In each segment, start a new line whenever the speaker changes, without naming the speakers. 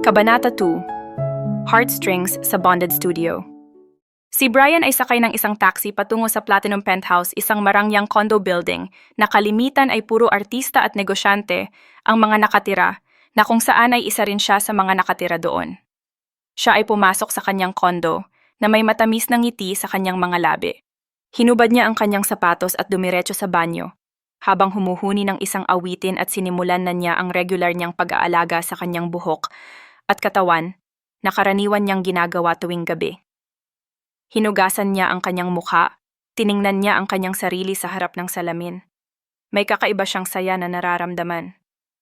Kabanata 2, Heartstrings sa Bonded Studio. Si Brian ay sakay ng isang taxi patungo sa Platinum Penthouse, isang marangyang condo building na kalimitan ay puro artista at negosyante ang mga nakatira, na kung saan ay isa rin siya sa mga nakatira doon. Siya ay pumasok sa kanyang condo na may matamis na ngiti sa kanyang mga labi. Hinubad niya ang kanyang sapatos at dumiretso sa banyo, habang humuhuni ng isang awitin at sinimulan na niya ang regular niyang pag-aalaga sa kanyang buhok at katawan na karaniwan niyang ginagawa tuwing gabi. Hinugasan niya ang kanyang mukha, tiningnan niya ang kanyang sarili sa harap ng salamin. May kakaiba siyang saya na nararamdaman.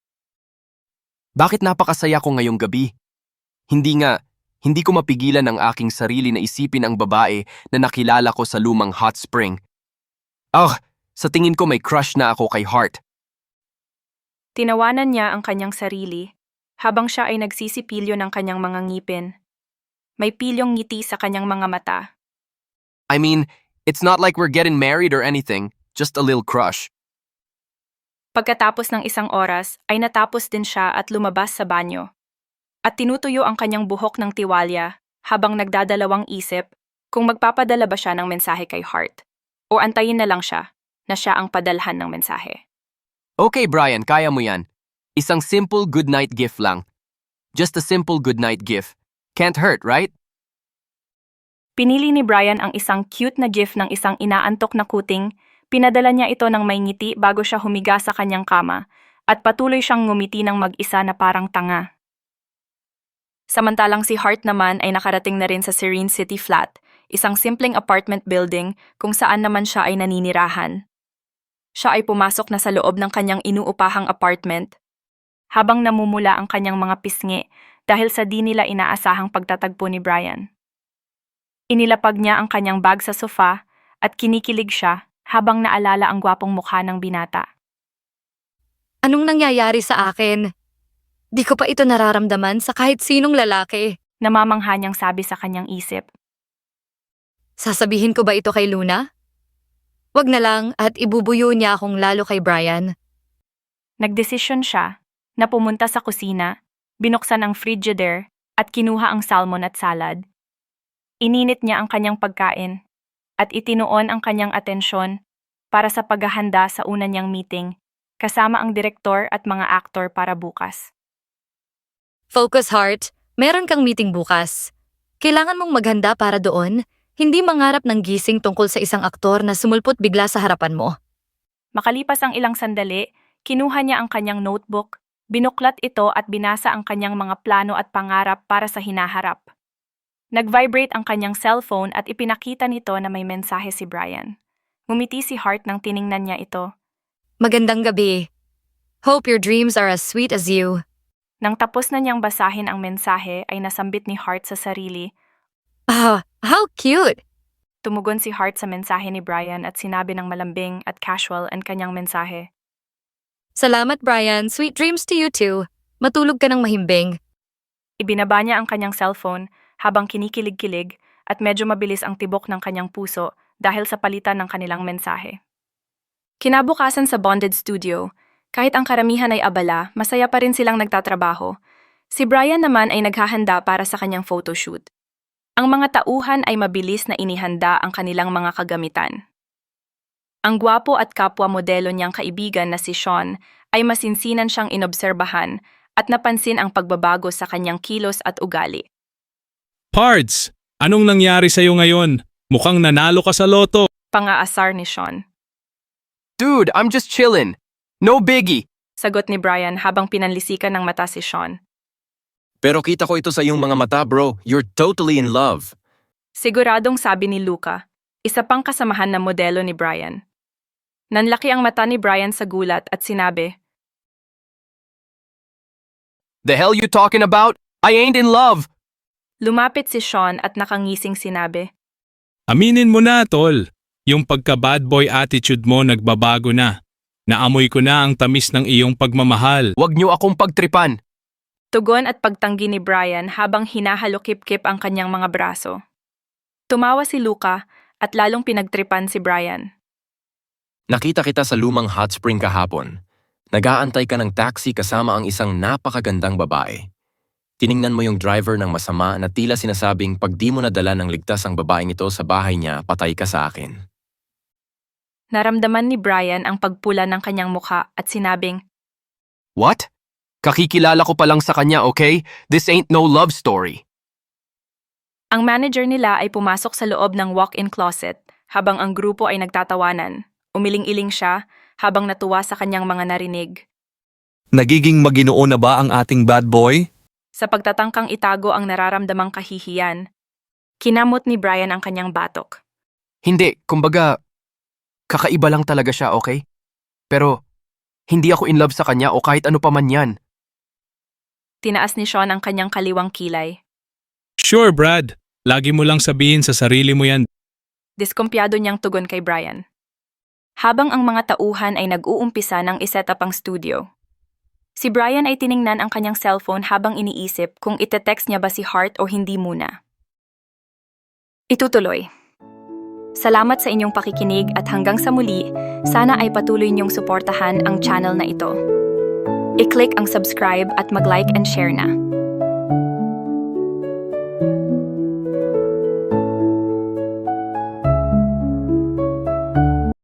Bakit napakasaya ko ngayong gabi? Hindi ko mapigilan ang aking sarili na isipin ang babae na nakilala ko sa lumang hot spring. Sa tingin ko may crush na ako kay Hart.
Tinawanan niya ang kanyang sarili habang siya ay nagsisipilyo ng kanyang mga ngipin. May pilyong ngiti sa kanyang mga mata.
I mean, it's not like we're getting married or anything, just a little crush.
Pagkatapos ng isang oras ay natapos din siya at lumabas sa banyo. At tinutuyo ang kanyang buhok ng tiwalya habang nagdadalawang isip kung magpapadala ba siya ng mensahe kay Hart o antayin na lang siya na siya ang padalhan ng mensahe.
Okay Brian, kaya mo yan. Isang simple goodnight gift lang. Just a simple goodnight gift. Can't hurt, right?
Pinili ni Brian ang isang cute na gif ng isang inaantok na kuting. Pinadala niya ito ng may ngiti bago siya humiga sa kanyang kama at patuloy siyang ngumiti ng mag-isa na parang tanga. Samantalang si Hart naman ay nakarating na rin sa Serene City Flat, isang simpleng apartment building kung saan naman siya ay naninirahan. Siya ay pumasok na sa loob ng kanyang inuupahang apartment habang namumula ang kanyang mga pisngi dahil sa di nila inaasahang pagtatagpo ni Brian. Inilapag niya ang kanyang bag sa sofa at kinikilig siya habang naalala ang gwapong mukha ng binata.
Anong nangyayari sa akin? Di ko pa ito nararamdaman sa kahit sinong lalaki.
Namamangha niyang sabi sa kanyang isip.
Sasabihin ko ba ito kay Luna? Wag na lang at ibubuyo niya akong lalo kay Brian.
Nagdesisyon siya na pumunta sa kusina, binuksan ang frigidaire at kinuha ang salmon at salad. Ininit niya ang kanyang pagkain at itinuon ang kanyang atensyon para sa paghahanda sa una niyang meeting kasama ang direktor at mga aktor para bukas.
Focus, Heart. Meron kang meeting bukas. Kailangan mong maghanda para doon, hindi mangarap ng gising tungkol sa isang aktor na sumulpot bigla sa harapan mo.
Makalipas ang ilang sandali, kinuha niya ang kanyang notebook, binuklat ito at binasa ang kanyang mga plano at pangarap para sa hinaharap. Nag-vibrate ang kanyang cellphone at ipinakita nito na may mensahe si Brian. Ngumiti si Hart nang tiningnan niya ito.
Magandang gabi. Hope your dreams are as sweet as you.
Nang tapos na niyang basahin ang mensahe ay nasambit ni Hart sa sarili.
How cute!
Tumugon si Hart sa mensahe ni Brian at sinabi ng malambing at casual ang kanyang mensahe.
Salamat, Brian. Sweet dreams to you too. Matulog ka ng mahimbing.
Ibinaba niya ang kanyang cellphone habang kinikilig-kilig at medyo mabilis ang tibok ng kanyang puso dahil sa palitan ng kanilang mensahe. Kinabukasan sa Bonded Studio, kahit ang karamihan ay abala, masaya pa rin silang nagtatrabaho. Si Brian naman ay naghahanda para sa kanyang photoshoot. Ang mga tauhan ay mabilis na inihanda ang kanilang mga kagamitan. Ang gwapo at kapwa modelo niyang kaibigan na si Sean ay masinsinan siyang inobserbahan at napansin ang pagbabago sa kanyang kilos at ugali.
Pards, anong nangyari sa'yo ngayon? Mukhang nanalo ka sa loto.
Pangaasar ni Sean.
Dude, I'm just chillin'. No biggie.
Sagot ni Brian habang pinanlisikan ng mata si Sean.
Pero kita ko ito sa iyong mga mata, bro. You're totally in love.
Siguradong sabi ni Luca, isa pang kasamahan na modelo ni Brian. Nanlaki ang mata ni Brian sa gulat at sinabi,
The hell you talking about? I ain't in love.
Lumapit si Sean at nakangising sinabi,
Aminin mo na, tol. Yung pagka-bad boy attitude mo nagbabago na. Naamoy ko na ang tamis ng iyong pagmamahal.
Wag niyo akong pagtripan.
Tugon at pagtanggi ni Brian habang hinahalokip-kip ang kanyang mga braso. Tumawa si Luca at lalong pinagtripan si Brian.
Nakita kita sa lumang hot spring kahapon. Nag-aantay ka ng taxi kasama ang isang napakagandang babae. Tiningnan mo yung driver ng masama na tila sinasabing pag di mo nadala ng ligtas ang babaeng ito sa bahay niya, patay ka sa akin.
Naramdaman ni Brian ang pagpula ng kanyang mukha at sinabing,
What? Kakikilala ko pa lang sa kanya, okay? This ain't no love story.
ang manager nila ay pumasok sa loob ng walk-in closet habang ang grupo ay nagtatawanan. Umiling-iling siya habang natuwa sa kanyang mga narinig.
Nagiging maginoo na ba ang ating bad boy?
Sa pagtatangkang itago ang nararamdamang kahihiyan, kinamot ni Brian ang kanyang batok.
Hindi, kumbaga, kakaiba lang talaga siya, okay? Pero, hindi ako in love sa kanya o kahit ano pa man yan.
Tinaas ni Sean ang kanyang kaliwang kilay.
Sure, Brad. Lagi mo lang sabihin sa sarili mo yan.
Diskumpiyado niyang tugon kay Brian. Habang ang mga tauhan ay nag-uumpisa ng iset up ang studio, si Brian ay tiningnan ang kanyang cellphone habang iniisip kung ite-text niya ba si Hart o hindi muna. Itutuloy. Salamat sa inyong pakikinig at hanggang sa muli, sana ay patuloy niyong suportahan ang channel na ito. I-click ang subscribe at mag-like and share na.